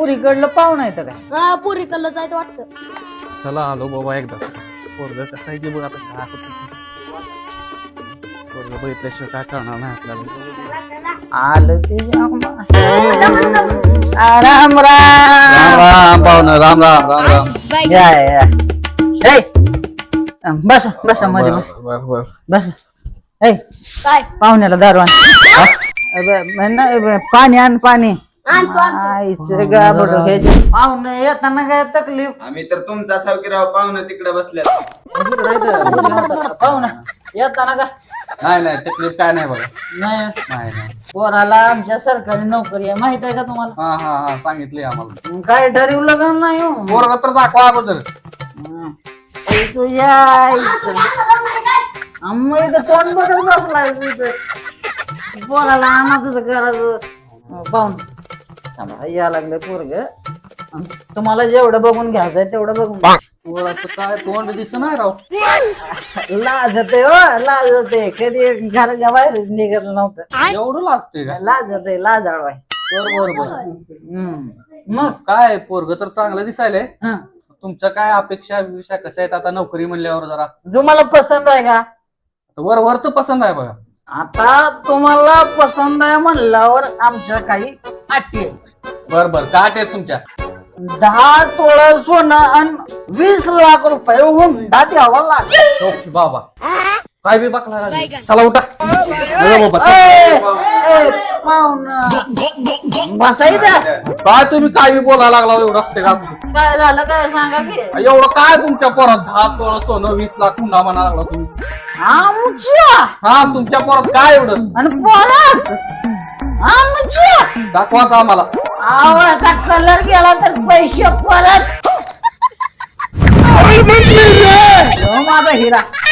पुरीकडलं पाहुणा येतं काय? हा पुरी कल्ल जायचं वाटतं. चला आलो बाबा एकदा पोरग कसं आहे की बघ आता काय होतं पोरग बघितल्याशिवाय काय करणार नाही आपल्याला. आलं ते राम राम राम पाहुणं राम राम राम राम. या या ए, बसा बसा मध्ये बस बर बर बस. ए काय पाहुण्याला दारू आण. पाणी आण पाणी. आणतो आईचं गाबड हे पाहुणे येताना काय तकलीफ आम्ही तर तुमचा चौकीराव पाहुणं तिकडे बसल्यात. पाहुणा येताना का नाही नाही तकलीफ काय नाही बघा. नाही नाही नाही पोराला आमच्या सरकारी नोकरी आहे माहित आहे का तुम्हाला? हा हा हा सांगितले आम्हाला. मग काय ठरवलं का नाही हो? पोरग तर दाखवा अगोदर. ए, तुझ्या आईचं. आम्ही इथं तोंड बघत बसलाय तिथं. पोराला आणा तुझं करायचं पाहून या लागलं पोरग. तुम्हाला जेवढं बघून घ्यायचंय तेवढं बघून घ्या. पोराचं काय तोंड दिसत नाही राव. लाजते हो लाजते कधी घराच्या बाहेर निघत नव्हतं. एवढं लाजतोय का? लाजते लाजाळवाय. बर बर बर. मग काय पोरग तर चांगलं दिसायलंय. हं. तुमच्या काय अपेक्षा विषय कशा आहेत आता नोकरी म्हणल्यावर जरा तुम्हाला पसंत आहे का? वरच पसंत आहे बघा. आता तुम्हाला पसंत आहे म्हणल्यावर आमच्या काही अटी आहेत. बर बर काय आहे तुमच्या? 10 तोळा सोनं आणि 20 लाख रुपये हुंडा द्यावा लागेल. ओके बाबा काय बी बघला चला उठा. बघा बाबा. पाहुणा बसायचं काय तुम्ही काय बी बोलायला लागला एवढं असते का? काय झालं काय सांगा की? एवढं काय तुमच्या पोरात 10 तोळा सोनं 20 लाख हुंडा म्हणा लागला तुम्ही. आमच्या हा तुमच्या पोरात काय एवढं आणि पोरात आमच्या दाखवाच आम्हाला. आवाचा कलर गेला तर पैसे परत. हो माझा हिरा